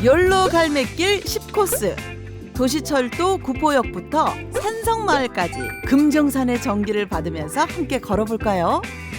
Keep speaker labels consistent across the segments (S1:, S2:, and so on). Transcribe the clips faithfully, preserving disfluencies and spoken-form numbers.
S1: 연로 갈매길 십 코스. 도시철도 구포역부터 산성마을까지 금정산의 정기를 받으면서 함께 걸어볼까요?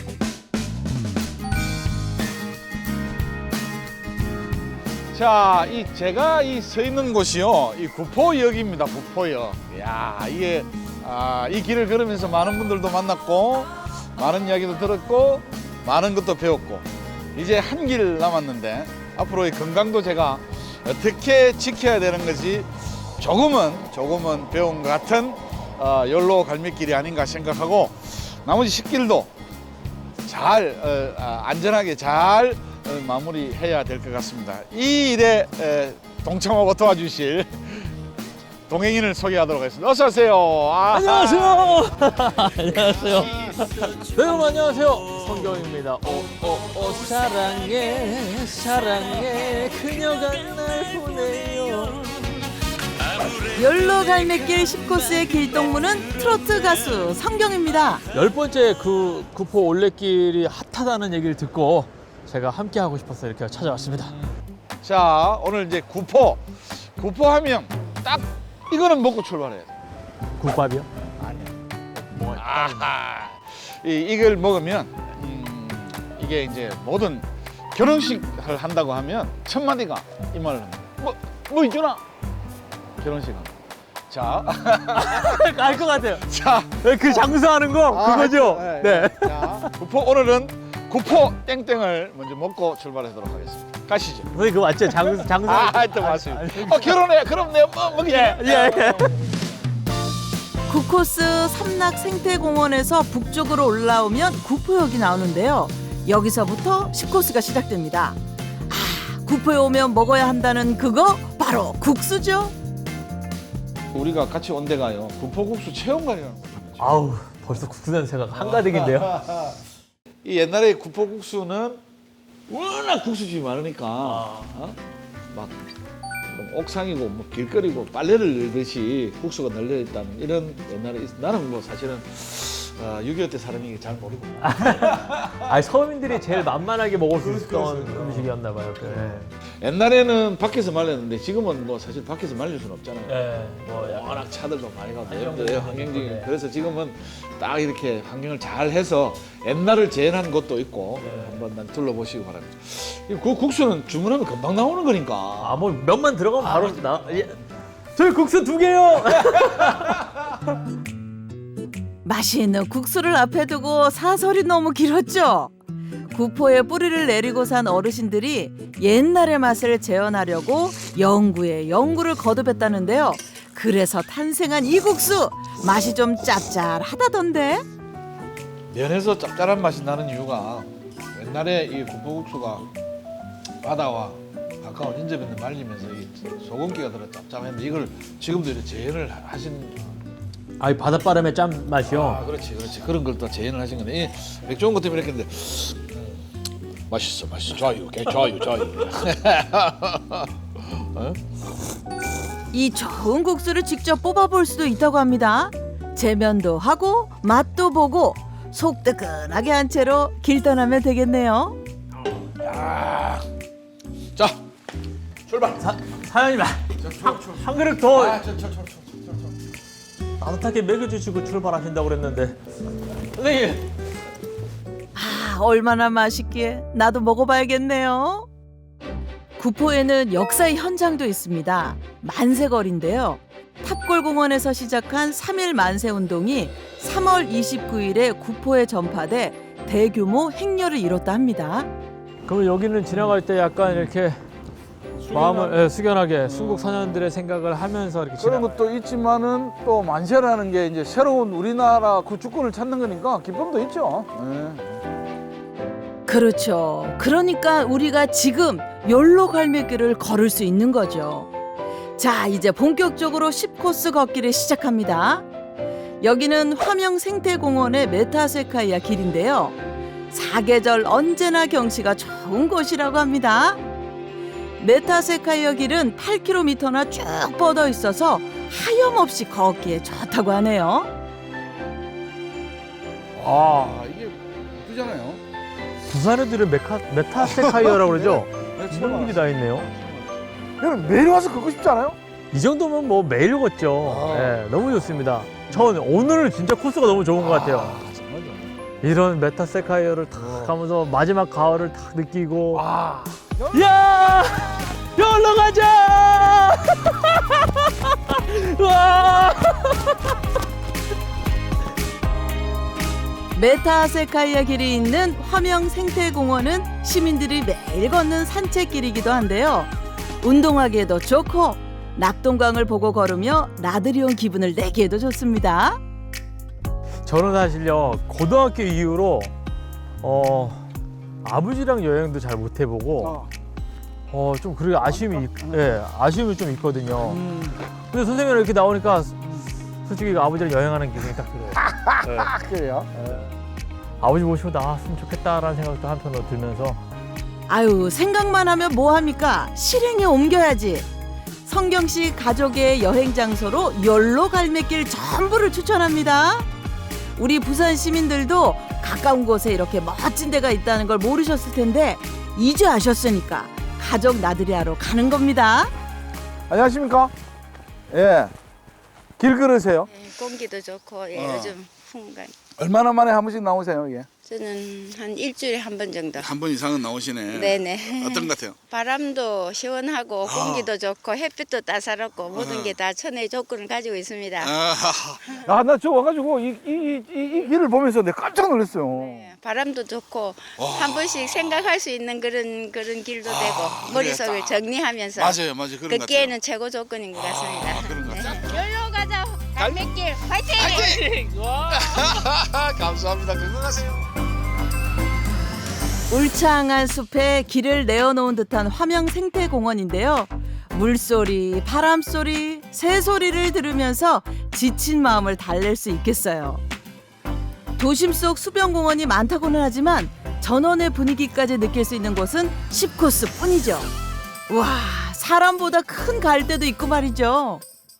S2: 자, 이 제가 이 서 있는 곳이요, 이 구포역입니다. 구포역. 야, 이게 아, 이 길을 걸으면서 많은 분들도 만났고, 많은 이야기도 들었고, 많은 것도 배웠고, 이제 한 길 남았는데 앞으로의 건강도 제가 어떻게 지켜야 되는 것이 조금은 조금은 배운 것 같은 어, 연로 갈매길이 아닌가 생각하고, 나머지 십 길도 잘 어, 아, 안전하게 잘 어, 마무리해야 될 것 같습니다. 이 일에 에, 동참하고 도와주실 동행인을 소개하도록 하겠습니다. 어서 오세요. 아,
S3: 안녕하세요. 안녕하세요. 네, 여러분 안녕하세요. 성경입니다. 오오오 사랑해 사랑해 그녀가 날 보내요.
S1: 연로 갈매길 십 코스의 길동무는 트로트 가수 성경입니다.
S3: 열 번째 그 구포 올레길이 핫하다는 얘기를 듣고 제가 함께 하고 싶어서 이렇게 찾아왔습니다.
S2: 자, 오늘 이제 구포 구포하면 딱 이거는 먹고 출발해야 돼.
S3: 국밥이요?
S2: 아니야.
S3: 뭐
S2: 아하. 이, 이걸 먹으면 음, 이게 이제 모든 결혼식을 한다고 하면 첫 마디가 이 말을 합니다. 뭐, 뭐 있잖아. 결혼식 한다. 자,
S3: 알 것 같아요.
S2: 자,
S3: 그 장수하는 거 그거죠?
S2: 아,
S3: 네.
S2: 자, 구포 오늘은 구포 땡땡을 먼저 먹고 출발하도록 하겠습니다. 가시죠.
S3: 선생님 그거 맞죠? 장수 장수.
S2: 아, 하여튼 맞습니다. 어, 결혼해. 그럼 내가 뭐 먹이지.
S3: 예, 예, 예.
S1: 구 코스 삼락 생태공원에서 북쪽으로 올라오면 구포역이 나오는데요. 여기서부터 십 코스가 시작됩니다. 아, 구포에 오면 먹어야 한다는 그거 바로 국수죠.
S2: 우리가 같이 온 데가요, 구포국수 체험관이라는 거죠.
S3: 아우 벌써 국수 냄새가 한가득인데요.
S2: 이 옛날에 구포국수는 워낙 국수집이 많으니까 어? 막 뭐 옥상이고 뭐 길거리고 빨래를 널듯이 국수가 널려 있다는 이런 옛날에 있... 나는 뭐 사실은 어, 육이오 때 사람이 잘 모르고.
S3: 아 서민들이 제일 만만하게 먹을 수 있었던 음식이었나 봐요. 네.
S2: 옛날에는 밖에서 말렸는데 지금은 뭐 사실 밖에서 말릴 수는 없잖아요.
S3: 네, 뭐 약간
S2: 워낙 차들도 많이 가고
S3: 환경적인
S2: 내는데 환경적인.
S3: 네.
S2: 그래서 지금은 딱 이렇게 환경을 잘 해서 옛날을 재현한 것도 있고
S3: 네.
S2: 한번 난 둘러보시기 바랍니다. 이 그 국수는 주문하면 금방 나오는 거니까.
S3: 아 뭐 면만 들어가면 바로 나. 예. 저희 국수 두 개요.
S1: 맛있는 국수를 앞에 두고 사설이 너무 길었죠. 구포에 뿌리를 내리고 산 어르신들이 옛날의 맛을 재현하려고 연구에 연구를 거듭했다는데요. 그래서 탄생한 이 국수, 맛이 좀 짭짤하다던데.
S2: 면에서 짭짤한 맛이 나는 이유가 옛날에 이 구포국수가 바다와 가까운 인접인데 말리면서 이 소금기가 들어 짭짤했는데 이걸 지금도 이렇게 재현을 하신.
S3: 아이 바닷바람의 짠 맛이요.
S2: 아, 그렇지, 그렇지. 그런 걸 또 재현을 하신 건데 이 맥주 온 것 때문에 이렇게 했는데 음, 맛있어, 맛있어, 좋아요, 개 좋아요, 좋아요. 어?
S1: 이 좋은 국수를 직접 뽑아볼 수도 있다고 합니다. 재면도 하고 맛도 보고 속 뜨끈하게 한 채로 길 떠나면 되겠네요.
S2: 야, 자, 출발.
S3: 사, 사장님 한, 한 그릇 더
S2: 아, 저, 저, 저, 저, 저, 저.
S3: 따뜻하게 먹여주시고 출발하신다고 그랬는데 선생님.
S1: 아, 얼마나 맛있기에 나도 먹어봐야겠네요. 구포에는 역사의 현장도 있습니다. 만세거리인데요. 탑골공원에서 시작한 삼 일 만세운동이 삼월 이십구일에 구포에 전파돼 대규모 행렬을 이뤘다 합니다.
S3: 그럼 여기는 지나갈 때 약간 이렇게 마음을 예, 숙연하게 순국 선현들의 생각을 하면서 이렇게
S4: 그런
S3: 지나가요.
S4: 것도 있지만은 또 만세라는 게 이제 새로운 우리나라 그 주권을 찾는 거니까 기쁨도 있죠. 네.
S1: 그렇죠. 그러니까 우리가 지금 연로 갈매길을 걸을 수 있는 거죠. 자, 이제 본격적으로 십 코스 걷기를 시작합니다. 여기는 화명 생태공원의 메타세카이아 길인데요. 사계절 언제나 경치가 좋은 곳이라고 합니다. 메타세카이아 길은 팔 킬로미터나 쭉 뻗어 있어서 하염없이 걷기에 좋다고 하네요.
S2: 아, 이게 예쁘잖아요.
S3: 부산 애들은 메카, 메타세카이어라고 그러죠?
S2: 네,
S3: 이런 길이 다 있네요.
S4: 여러분 매일 와서 걷고 싶지 않아요?
S3: 이 정도면 뭐 매일 걷죠.
S4: 아.
S3: 예, 너무 좋습니다. 전 오늘 진짜 코스가 너무 좋은 것 같아요.
S4: 정말 좋네.
S3: 이런 메타세카이어를 탁
S4: 어.
S3: 가면서 마지막 가을을 탁 느끼고
S4: 와.
S3: 야! 열로 가자! 와!
S1: 메타세카이아 길이 있는 화명 생태공원은 시민들이 매일 걷는 산책길이기도 한데요. 운동하기에도 좋고 낙동강을 보고 걸으며 나들이 온 기분을 내기에도 좋습니다.
S3: 저는 사실요 고등학교 이후로 어 아버지랑 여행도 잘 못 해보고
S4: 어.
S3: 어 좀 그렇게 아쉬움이 있, 예 아쉬움이 좀 있거든요.
S4: 음.
S3: 근데 선생님이 이렇게 나오니까 솔직히 아버지랑 여행하는 기분이 딱 들어요. 예.
S4: 아, 그래요?
S3: 아버지 모시고 나왔으면 좋겠다라는 생각도 한편으로 들면서
S1: 아유, 생각만 하면 뭐합니까? 실행에 옮겨야지. 성경 씨 가족의 여행 장소로 열로 갈매길 전부를 추천합니다. 우리 부산 시민들도 가까운 곳에 이렇게 멋진 데가 있다는 걸 모르셨을 텐데 이제 아셨으니까 가족 나들이하러 가는 겁니다.
S4: 안녕하십니까? 예. 길 걸으세요?
S5: 예, 공기도 좋고 예,
S4: 어.
S5: 요즘 풍간.
S4: 얼마나 만에 한 번씩 나오세요, 이게?
S5: 저는 한 일주일에 한 번 정도.
S2: 한 번 이상은 나오시네.
S5: 네네.
S2: 어떤 것 같아요?
S5: 바람도 시원하고 공기도 좋고 햇빛도 따사롭고 모든
S2: 어.
S5: 게 다 천혜의 조건을 가지고 있습니다.
S2: 아,
S4: 아, 나 저 와가지고 이, 이, 이, 이, 이 길을 보면서 내가 깜짝 놀랐어요.
S5: 예, 바람도 좋고
S2: 와.
S5: 한 번씩 생각할 수 있는 그런 그런 길도
S2: 아,
S5: 되고
S2: 그래,
S5: 머릿속을
S2: 딱.
S5: 정리하면서
S2: 맞아요, 맞아요. 그런 것 같아요.
S5: 걷기에는 최고 조건인 것 같습니다.
S2: 아, 그런 것 같아요.
S5: 열로 가자 갈매길 화이팅!
S2: 감사합니다. 건강하세요.
S1: 울창한 숲에 길을 내어놓은 듯한 화명 생태공원인데요. 물소리, 바람소리, 새소리를 들으면서 지친 마음을 달랠 수 있겠어요. 도심 속 수변공원이 많다고는 하지만 전원의 분위기까지 느낄 수 있는 곳은 십 코스 뿐이죠. 와, 사람보다 큰 갈대도 있고 말이죠.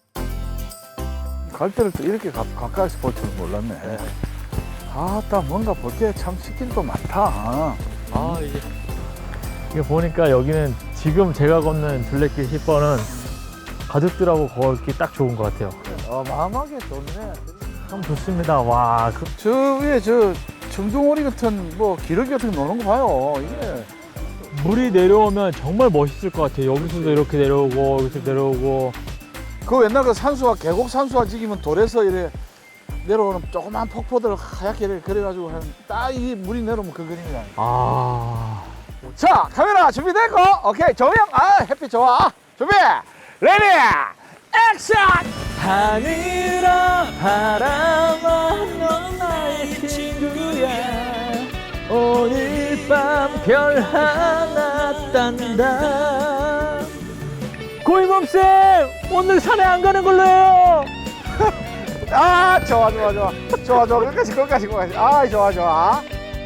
S4: 갈대를 또 이렇게 가, 가까이서 볼 줄은 몰랐네. 아따, 뭔가 볼 게 참 시길도 많다.
S3: 아 이게 이게 보니까 여기는 지금 제가 걷는 둘레길 십 번은 가족들하고 걷기 딱 좋은 것 같아요.
S4: 어마어마하게 좋네.
S3: 참 좋습니다. 와, 그,
S4: 저 위에 저 청둥오리 같은 뭐 기러기 같은 거 노는 거 봐요. 이게
S3: 물이 내려오면 정말 멋있을 것 같아요. 여기서도 이렇게 내려오고 여기서 내려오고.
S4: 그 옛날 그 산수화 계곡 산수화 지기면 돌에서 이래 내려오는 조그만 폭포들 하얗게 이렇게 그려가지고 딱 이 물이 내려오면 그 그림이야.
S3: 아,
S4: 자, 카메라 준비됐고, 오케이, 조명, 아, 햇빛 좋아. 준비, 레디, 액션!
S3: 하늘아 바람아 넌 나의 친구야 오늘 밤 별 하나 딴다. 고이범쌤 오늘 산에 안 가는 걸로요.
S4: 아, 좋아, 좋아, 좋아. 좋아, 좋아. 끝까지, 끝까지, 끝까지. 아, 좋아, 좋아.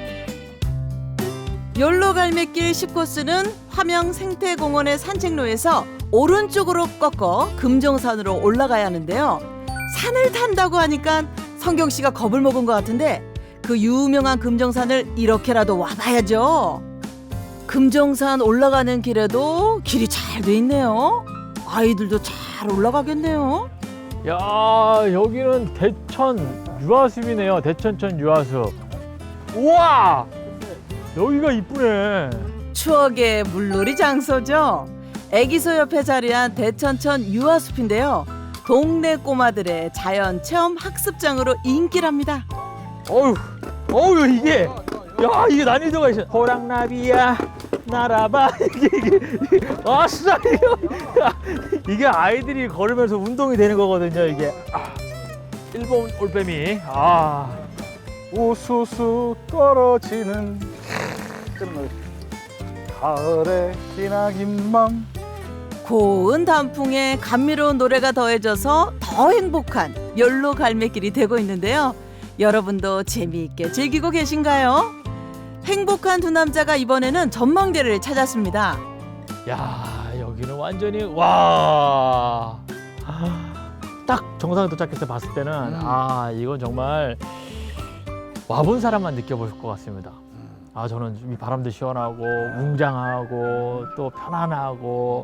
S1: 열로 갈매길 십 코스는 화명 생태공원의 산책로에서 오른쪽으로 꺾어 금정산으로 올라가야 하는데요. 산을 탄다고 하니까 성경 씨가 겁을 먹은 것 같은데 그 유명한 금정산을 이렇게라도 와봐야죠. 금정산 올라가는 길에도 길이 잘 돼 있네요. 아이들도 잘 올라가겠네요.
S3: 야 여기는 대천 유아숲이네요. 대천천 유아숲. 우와 여기가 이쁘네.
S1: 추억의 물놀이 장소죠. 애기소 옆에 자리한 대천천 유아숲인데요. 동네 꼬마들의 자연 체험 학습장으로 인기랍니다.
S3: 어휴 어휴 이게 야 이게 난이도가 있어. 호랑나비야 날아봐 이게 이게 아싸 이거 이게 아이들이 걸으면서 운동이 되는 거거든요. 이게 아, 일본 올빼미 아
S4: 우수수 떨어지는 그런 거. 가을의 기나긴 밤.
S1: 고운 단풍에 감미로운 노래가 더해져서 더 행복한 열로 갈매길이 되고 있는데요. 여러분도 재미있게 즐기고 계신가요? 행복한 두 남자가 이번에는 전망대를 찾았습니다.
S3: 야 여기는 완전히 와. 딱 정상에 도착했을 때 봤을 때는
S4: 음.
S3: 아 이건 정말 와본 사람만 느껴볼 것 같습니다. 아 저는 이 바람도 시원하고 웅장하고 또 편안하고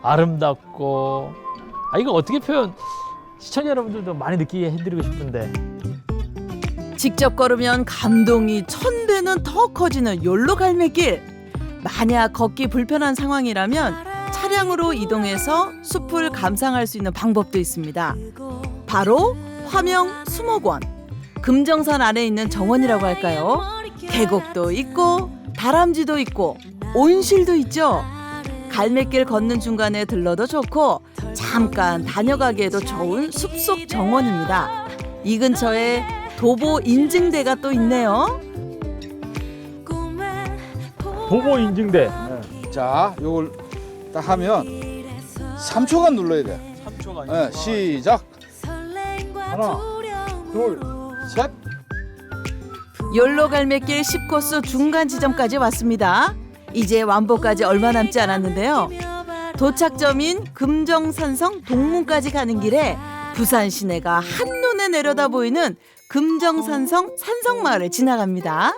S3: 아름답고 아 이거 어떻게 표현 시청자 여러분들도 많이 느끼게 해드리고 싶은데
S1: 직접 걸으면 감동이 천 배는 더 커지는 욜로 갈매길. 만약 걷기 불편한 상황이라면 차량으로 이동해서 숲을 감상할 수 있는 방법도 있습니다. 바로 화명 수목원. 금정산 아래에 있는 정원이라고 할까요? 계곡도 있고 다람쥐도 있고 온실도 있죠. 갈매길 걷는 중간에 들러도 좋고 잠깐 다녀가기에도 좋은 숲속 정원입니다. 이 근처에 도보 인증대가 또 있네요.
S3: 도보 인증대
S4: 자, 요걸 딱 하면 삼 초간 눌러야 돼.
S3: 삼 초가
S4: 네, 시작. 하나, 둘, 셋.
S1: 욜로 갈매길 십 코스 중간 지점까지 왔습니다. 이제 완보까지 얼마 남지 않았는데요. 도착점인 금정산성 동문까지 가는 길에 부산 시내가 한눈에 내려다 보이는 금정산성 산성마을을 지나갑니다.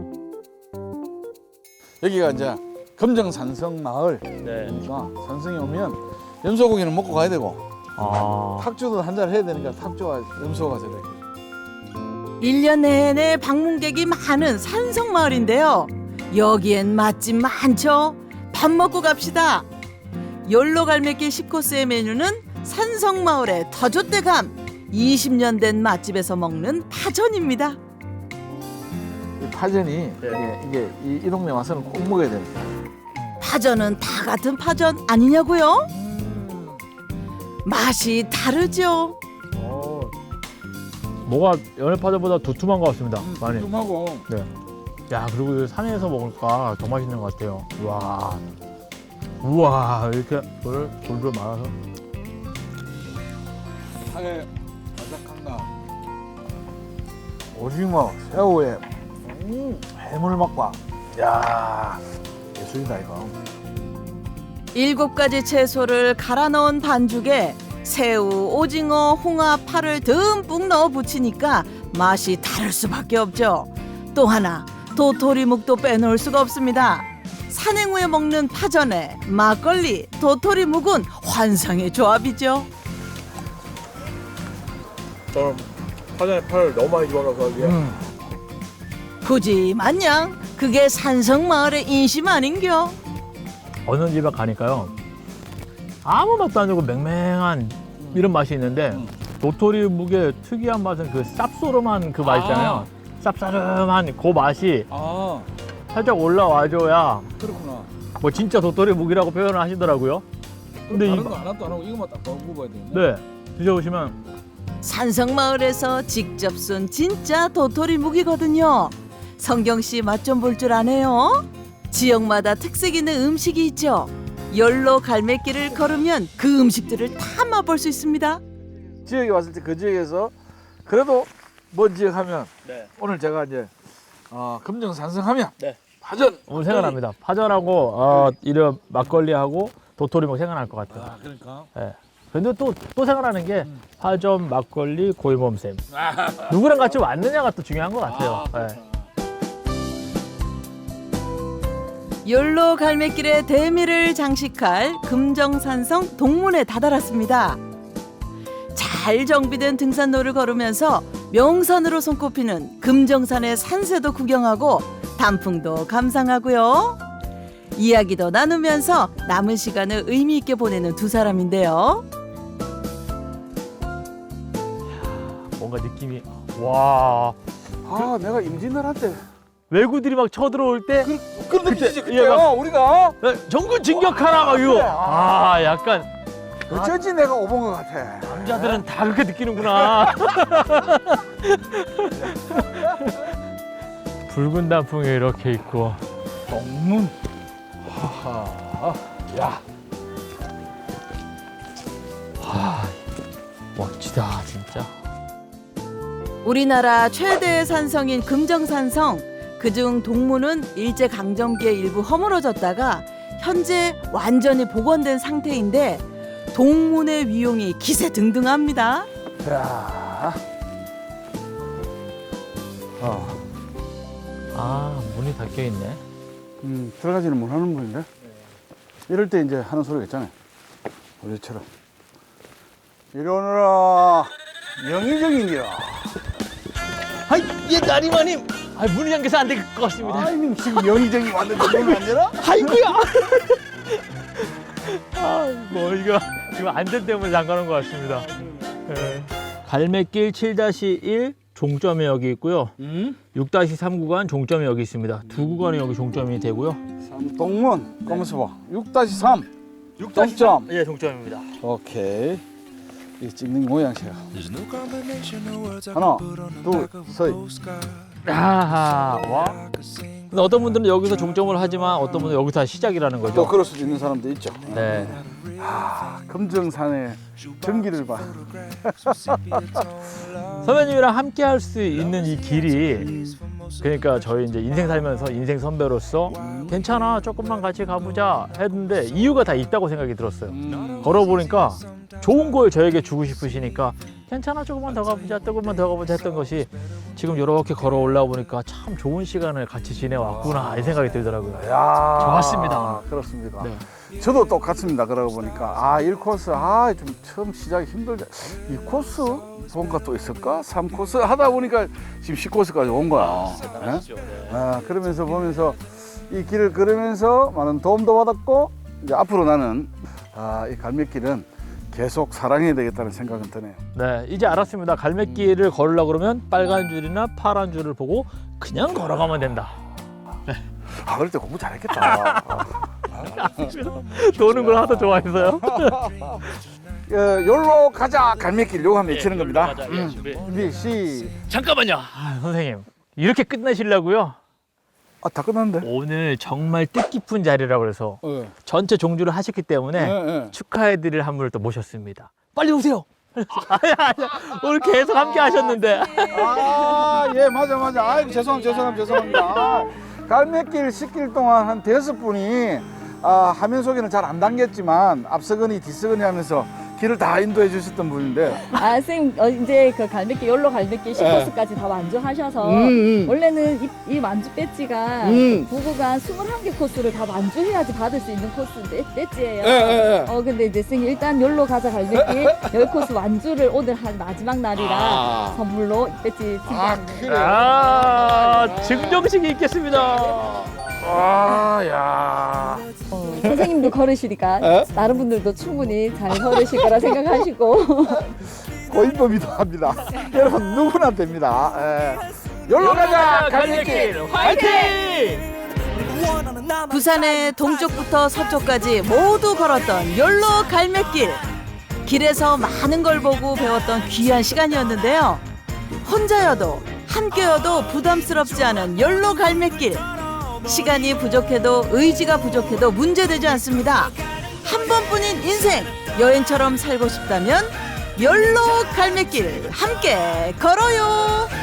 S4: 여기가 이제 금정산성 마을.
S3: 네.
S4: 그러니까 산성에 오면 염소고기는 먹고 가야 되고
S3: 아
S4: 탁주도 한잔 해야 되니까 탁주와 염소가 저래.
S1: 일 년 내내 방문객이 많은 산성마을인데요. 여기엔 맛집 많죠. 밥 먹고 갑시다. 욜로 갈매길 십 코스의 메뉴는 산성마을의 터줏대감 이십 년 된 맛집에서 먹는 파전입니다.
S4: 이 파전이 이게, 이게 이, 이 동네 와서는 꼭 먹어야 됩니다.
S1: 파전은 다 같은 파전 아니냐고요? 맛이 다르죠.
S3: 어. 뭐가 연애파전보다 두툼한 것 같습니다. 많이.
S4: 하고
S3: 네. 야 그리고 이 산에서 먹을까 더 맛있는 것 같아요. 우와, 우와 이렇게 돌을 돌돌 말아서.
S4: 상에 바삭한 나 오징어, 새우에 음, 해물 맛과 야 예술이다 이거.
S1: 일곱 가지 채소를 갈아 넣은 반죽에 새우, 오징어, 홍합, 파를 듬뿍 넣어 부치니까 맛이 다를 수밖에 없죠. 또 하나 도토리묵도 빼놓을 수가 없습니다. 산행 후에 먹는 파전에 막걸리, 도토리묵은 환상의 조합이죠.
S3: 저는 파전에 파를 너무 많이 집어넣어서 이게
S1: 굳이 마냥 그게 산성마을의 인심 아닌겨?
S3: 어느 집에 가니까요 아무 맛도 안 나고 맹맹한 이런 맛이 있는데 도토리묵의 특이한 맛은 그 쌉소름한 그 맛 있잖아요. 쌉싸름한 그 맛이
S4: 아
S3: 살짝 올라와줘야
S4: 그렇구나.
S3: 뭐 진짜 도토리묵이라고 표현을 하시더라고요. 근데
S4: 다른
S3: 이
S4: 거 하나도 안 하고 이거만 딱 넣어 먹어야 되겠네.
S3: 네 드셔보시면
S1: 산성마을에서 직접 쏜 진짜 도토리묵이거든요. 성경 씨 맛 좀 볼 줄 아네요. 지역마다 특색 있는 음식이 있죠. 욜로 갈매길을 걸으면 그 음식들을 다 맛볼 수 있습니다.
S4: 지역에 왔을 때 그 지역에서 그래도 뭔 지역 하면
S3: 네.
S4: 오늘 제가 이제 어, 금정산성하면
S3: 네.
S4: 파전
S3: 오늘 생각납니다. 파전하고 어, 이런 막걸리하고 도토리묵 생각날 것 같아요.
S4: 아 그러니까
S3: 예. 근데 또, 또 생각나는 게 파전, 막걸리, 고이몸샘. 누구랑 같이 왔느냐가 또 중요한 것 같아요. 예.
S1: 욜로 갈매길의 대미를 장식할 금정산성 동문에 다다랐습니다. 잘 정비된 등산로를 걸으면서 명산으로 손꼽히는 금정산의 산세도 구경하고 단풍도 감상하고요. 이야기도 나누면서 남은 시간을 의미 있게 보내는 두 사람인데요.
S3: 뭔가 느낌이 와
S4: 아 내가 임진왜란때
S3: 외구들이 막 쳐들어올 때
S4: 그런 느낌이지
S3: 그때, 예,
S4: 그때요
S3: 막-
S4: 우리가
S3: 네, 정군 진격하라 막 이거
S4: 그래.
S3: 아 약간
S4: 어쩐지 내가 오본 것 같아.
S3: 남자들은 다 그렇게 느끼는구나. 붉은 단풍이 이렇게 있고
S4: 동문. 하하. 야.
S3: 멋지다 진짜.
S1: 우리나라 최대의 산성인 금정산성, 그중 동문은 일제강점기에 일부 허물어졌다가 현재 완전히 복원된 상태인데 동문의 위용이 기세등등합니다.
S4: 야. 어.
S3: 아 문이 닫혀 있네.
S4: 음 들어가지는 못하는 분인데. 이럴 때 이제 하는 소리가 있잖아요. 우리처럼 이리 오너라 영의정이니라.
S3: 아이, 예, 나리마님. 아, 문이 잠겨서 안 될 것 같습니다.
S4: 아이님 지금 영의정이 왔는데 문을 안 열어?
S3: 아이고야. 아, 뭐 이거 지금 안전 때문에 잠가놓은 것 같습니다. 예. 갈매길 칠 일 종점이 여기 있고요.
S4: 음?
S3: 육 삼 구간 종점이 여기 있습니다. 두 구간이 여기 종점이 되고요.
S4: 동문 검은서 봐. 육 삼 종점.
S3: 예, 종점입니다.
S4: 오케이. 이 찍는 모양새야. 하나, 둘, 셋.
S3: 아하, 와. 근데 어떤 분들은 여기서 종점을 하지만 어떤 분들은 여기서 시작이라는
S4: 또
S3: 거죠.
S4: 그럴 수도 있는 사람도 있죠.
S3: 네.
S4: 아, 금정산의 전기를 봐.
S3: 선배님이랑 함께 할 수 있는 이 길이, 그러니까 저희 이제 인생 살면서 인생 선배로서 괜찮아, 조금만 같이 가보자 했는데 이유가 다 있다고 생각이 들었어요.
S4: 음.
S3: 걸어보니까 좋은 걸 저에게 주고 싶으시니까 괜찮아, 조금만 더 가보자, 조금만 더 가보자 했던 것이 지금 이렇게 걸어 올라와 보니까 참 좋은 시간을 같이 지내왔구나 이 생각이 들더라고요.
S4: 야,
S3: 좋았습니다.
S4: 그렇습니다.
S3: 네.
S4: 저도 똑같습니다. 그러고 보니까 아, 일 코스 아, 좀 처음 시작이 힘들다. 이 코스 뭔가 또 있을까? 삼 코스 하다 보니까 지금 십 코스까지 온 거야. 예? 아, 그러면서 보면서 이 길을 걸으면서 많은 도움도 받았고 이제 앞으로 나는 아, 이 갈매길은 계속 사랑해야 되겠다는 생각은 드네요.
S3: 네, 이제 알았습니다. 갈매길을 걸으려고 그러면 빨간 줄이나 파란 줄을 보고 그냥 걸어가면 된다.
S4: 아, 그럴 때 공부 잘했겠다.
S3: 도는 걸 하도 좋아해서요.
S4: 어, 열로 가자 갈매길 요거 한번 외치는 겁니다.
S3: 열로 가자, 예,
S4: 음.
S3: 준비.
S4: 준비 시.
S3: 잠깐만요. 아, 선생님, 이렇게 끝내시려고요?
S4: 아, 다 끝났는데.
S3: 오늘 정말 뜻깊은 자리라고 그래서
S4: 예.
S3: 전체 종주를 하셨기 때문에
S4: 예, 예.
S3: 축하해드릴 한 분을 또 모셨습니다. 빨리 오세요. 아니, 아니, 오늘 계속 함께 하셨는데.
S4: 아, 예, 맞아, 맞아. 아이고, 죄송합니다, 죄송합니다, 죄송합니다. 아, 갈매길 씻길 동안 한 대여섯 분이 아, 화면 속에는 잘 안 담겼지만 앞서거니 뒤서거니 하면서 길을 다 인도해 주셨던 분인데.
S6: 아, 선생님, 어, 이제 그 갈매길, 열로 갈매길 십 코스까지 다 만주하셔서,
S4: 음, 음.
S6: 원래는 이, 이 만주 배지가
S4: 음.
S6: 부구간 스물한 개 코스를 다 만주해야지 받을 수 있는 코스 배, 배지예요.
S4: 예, 예, 예.
S6: 어, 근데 이제 선생님, 일단 열로 가자 갈매길 열 코스 완주를 오늘 한 마지막 날이라
S4: 아.
S6: 선물로 배지
S4: 아,
S6: 드립니다.
S4: 그래.
S3: 아, 증정식이 있겠습니다.
S4: 아, 야.
S6: 어, 선생님도 걸으시니까
S4: 에?
S6: 다른 분들도 충분히 잘 걸으실 거라 생각하시고.
S4: 고인범이도 합니다. 여러분, 누구나 됩니다. 예. 열로 가자 갈매길.
S3: 화이팅!
S1: 부산의 동쪽부터 서쪽까지 모두 걸었던 열로 갈매길. 길에서 많은 걸 보고 배웠던 귀한 시간이었는데요. 혼자여도 함께여도 부담스럽지 않은 열로 갈매길. 시간이 부족해도 의지가 부족해도 문제되지 않습니다. 한 번뿐인 인생 여행처럼 살고 싶다면 열로 갈매길 함께 걸어요.